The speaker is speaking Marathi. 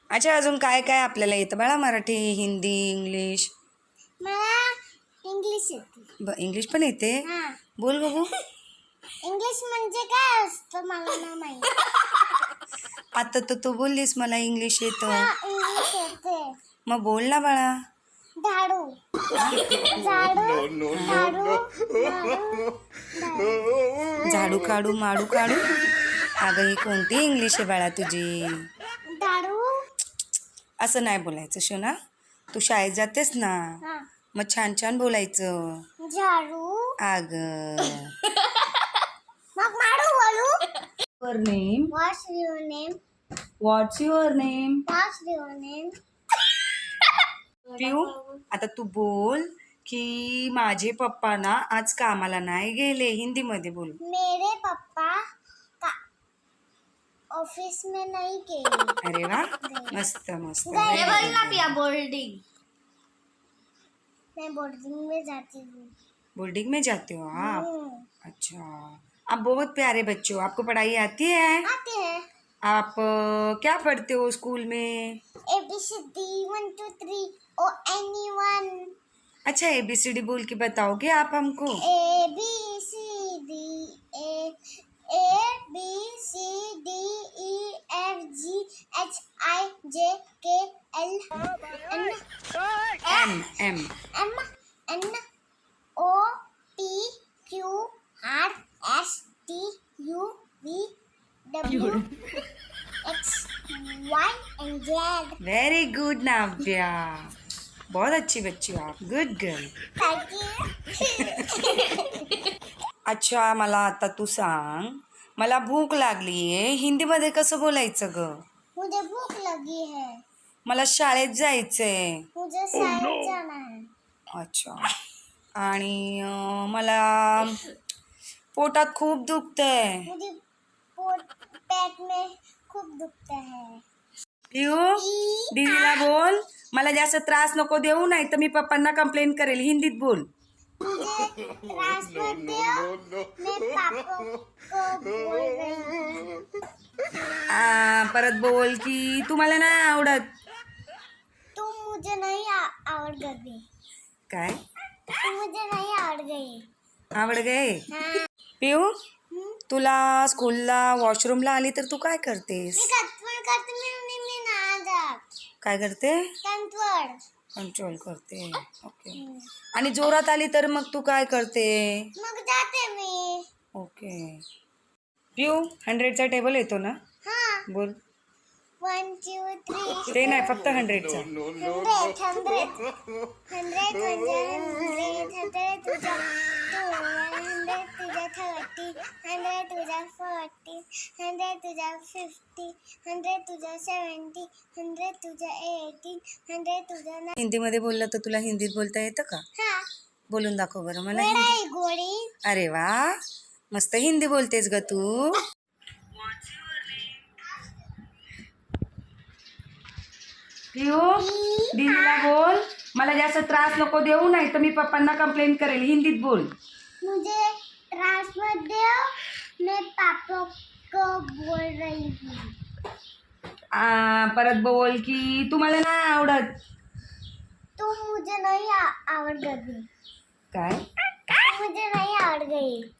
अच्छा, अजून काय काय आपल्याला येतं बाळा? मराठी, हिंदी, इंग्लिश? मला इंग्लिश येते. इंग्लिश पण येते? हां. बोल बघू. इंग्लिश म्हणजे काय असतं मला नाही माहिती. आता तर तू बोललीस मला इंग्लिश येतं. इंग्लिश येते. मग बोल ना बाळा. झाडू. झाडू. झाडू. झाडू काढू, माडू काढू. अगं ही कोणती इंग्लिश आहे बाळा तुझी? झाडू. असं नाही बोलायचं शोना. तू शाळेत जातेस ना, हां. मग छान छान बोलायचं. झाडू. अगं मग माडू बोलू. Your name. What's your name? What's your name? What's your name? पिऊ, आता तू बोल की माझे पप्पा ना आज कामाला नाही गेले. हिंदीमध्ये बोल. मेरे पापा ऑफिस में नहीं गए. अरे वा, मस्त मस्त. गए. बोलना पिया बोर्डिंग. मैं बोर्डिंग में जाती हूँ. बोर्डिंग में जाते हो आप? हम्म. अच्छा, आप बहुत प्यारे बच्चे हो. आपको पढ़ाई आती है? आते हैं. आप क्या पढ़ते हो स्कूल में? ABCD 1 2 3 or anyone. अच्छा, ABCD बोल के बताओगे आप हमको? ABCD ABCDEFGHIJKL M M NOPQRSTUVWXY and Z. Very good Navya, बहुत अच्छी बच्ची हो आप. Good girl. Thank you. अच्छा, मला आता तू सांग, मला भूक लागली आहे, हिंदीमध्ये कसं बोलायचं ग? मुझे भूख लगी है. मला शाळेत जायचंय. मुझे शायद जाना है. अच्छा, आणि मला पोटात खूप दुखतंय. मुझे पेट में खूप दुखता है. पिऊ, दीदीला बोल मला जास्त त्रास नको देऊ, नाही तर मी पप्पांना कंप्लेंट करेल. हिंदीत बोल. मुझे त्रास मत दो. मैं पापा को बोल रही हूँ. परत बोल की तुम्हाला नाही आवडत. तुम मुझे नहीं आवड़ गई. काय तुम मुझे नहीं आवड़ गई. आवड गए? हाँ. पिऊ, तुला स्कूलला वॉशरूमला आली तर तू काय करतेस? मी कंट्रोल करते. मी ना जात. काय करते? कंट्रोल. कंट्रोल करते. ओके. आणि जोरात आली तर मग तू काय करते? मग जाते मी. ओके. पिऊ, 100चा टेबल येतो ना? हाँ. बोल. 1 2 3. ते नाही, फक्त 100चा. 100 म्हणजे 100 तुझा 2 100 तुझा 30 100 तुझा 40 100 तुझा 50 100 तुझा 70 100 तुझा 80 100 तुझा 90. हिंदीमध्ये बोललं तर तुला हिंदीत बोलता येतं का? हाँ. बोलून दाखव बरं मला. वेडा आहे गोळी. अरे वा, मस्त हिंदी बोलतेस ग तू. पिऊ, दीदीला बोल मला जास्त त्रास नको देऊ, नाही तर मी पप्पांना कंप्लेंट करेल. हिंदीत बोल. मुझे त्रास मत दो. मैं पापा को बोल रही हूँ. परत बोल की तुम्हाला नाही आवडत. तुम मुझे नहीं आवड़ गई. काय? तुम मुझे नहीं आवड़ गई.